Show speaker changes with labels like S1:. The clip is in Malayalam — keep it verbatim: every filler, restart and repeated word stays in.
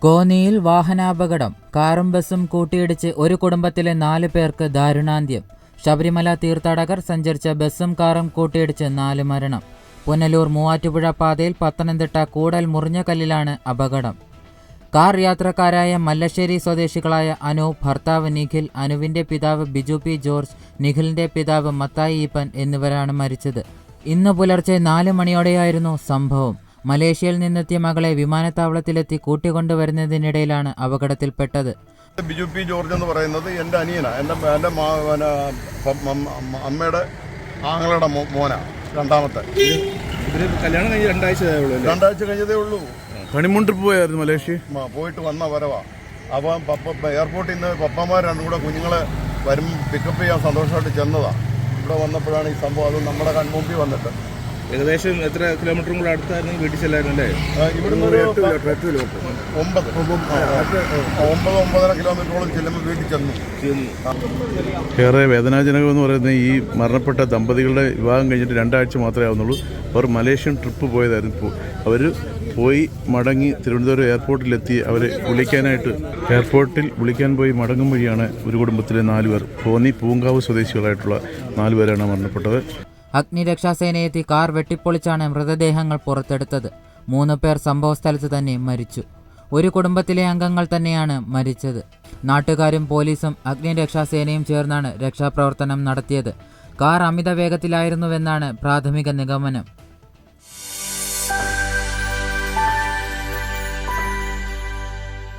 S1: കോന്നിയിൽ വാഹനാപകടം. കാറും ബസും കൂട്ടിയിടിച്ച് ഒരു കുടുംബത്തിലെ നാല് പേർക്ക് ദാരുണാന്ത്യം. ശബരിമല തീർത്ഥാടകർ സഞ്ചരിച്ച ബസും കാറും കൂട്ടിയിടിച്ച് നാല് മരണം. പുനലൂർ മൂവാറ്റുപുഴ പാതയിൽ പത്തനംതിട്ട കൂടൽ മുറിഞ്ഞകല്ലിലാണ് അപകടം. കാർ യാത്രക്കാരായ മല്ലശ്ശേരി സ്വദേശികളായ അനു, ഭർത്താവ് നിഖിൽ, അനുവിന്റെ പിതാവ് ബിജു പി ജോർജ്, നിഖിലിന്റെ പിതാവ് മത്തായി ഈപ്പൻ എന്നിവരാണ് മരിച്ചത്. ഇന്ന് പുലർച്ചെ നാല് മണിയോടെയായിരുന്നു സംഭവം. മലേഷ്യയിൽ നിന്നെത്തിയ മകളെ വിമാനത്താവളത്തിലെത്തി കൂട്ടിക്കൊണ്ടുവരുന്നതിനിടയിലാണ് അപകടത്തിൽപ്പെട്ടത്.
S2: ബിജു പി ജോർജ് എന്ന് പറയുന്നത് എൻ്റെ അനിയനാണ്. എൻ്റെ എൻ്റെ അമ്മയുടെ ആങ്ങളുടെ മോനാ, രണ്ടാമത്തെ.
S3: കല്യാണം കഴിഞ്ഞ് രണ്ടാഴ്ച
S2: രണ്ടാഴ്ച കഴിഞ്ഞതേ ഉള്ളൂ.
S3: ഹണിമൂൺ ട്രിപ്പ് പോയായിരുന്നു മലേഷ്യ.
S2: പോയിട്ട് വന്ന വരവാ. അപ്പം പപ്പ എയർപോർട്ടിൽ നിന്ന് പപ്പന്മാർ രണ്ടും കൂടെ കുഞ്ഞുങ്ങളെ വരും പിക്കപ്പ് ചെയ്യാൻ സന്തോഷമായിട്ട് ചെന്നതാണ്. ഇവിടെ വന്നപ്പോഴാണ് ഈ സംഭവം. അത് നമ്മുടെ കൺമുമ്പിൽ വന്നിട്ട്
S3: ഏകദേശം എത്ര കിലോമീറ്ററും കൂടെ അടുത്തായിരുന്നു വീട്ടിൽ ചെല്ലായിരുന്നു അല്ലേ?
S2: ഇവിടുന്ന് ഒമ്പത് ഒമ്പത് ഒമ്പതര കിലോമീറ്ററോളം ചെല്ലുമ്പോൾ വീട്ടിൽ ചെന്നു.
S4: ഏറെ വേദനാജനകമെന്ന് പറയുന്നത് ഈ മരണപ്പെട്ട ദമ്പതികളുടെ വിവാഹം കഴിഞ്ഞിട്ട് രണ്ടാഴ്ച മാത്രമേ ആവുന്നുള്ളൂ. അവർ മലേഷ്യൻ ട്രിപ്പ് പോയതായിരുന്നു. അവർ പോയി മടങ്ങി തിരുവനന്തപുരം എയർപോർട്ടിലെത്തി അവരെ വിളിക്കാനായിട്ട് എയർപോർട്ടിൽ വിളിക്കാൻ പോയി മടങ്ങും വഴിയാണ് ഒരു കുടുംബത്തിലെ നാലുപേർ, കോന്നി പൂങ്കാവ് സ്വദേശികളായിട്ടുള്ള നാലുപേരാണ് മരണപ്പെട്ടത്.
S1: അഗ്നിരക്ഷാസേനയെത്തി കാർ വെട്ടിപ്പൊളിച്ചാണ് മൃതദേഹങ്ങൾ പുറത്തെടുത്തത്. മൂന്ന് പേർ സംഭവസ്ഥലത്ത് തന്നെ മരിച്ചു. ഒരു കുടുംബത്തിലെ അംഗങ്ങൾ തന്നെയാണ് മരിച്ചത്. നാട്ടുകാരും പോലീസും അഗ്നിരക്ഷാസേനയും ചേർന്നാണ് രക്ഷാപ്രവർത്തനം നടത്തിയത്. കാർ അമിത വേഗത്തിലായിരുന്നുവെന്നാണ് പ്രാഥമിക നിഗമനം.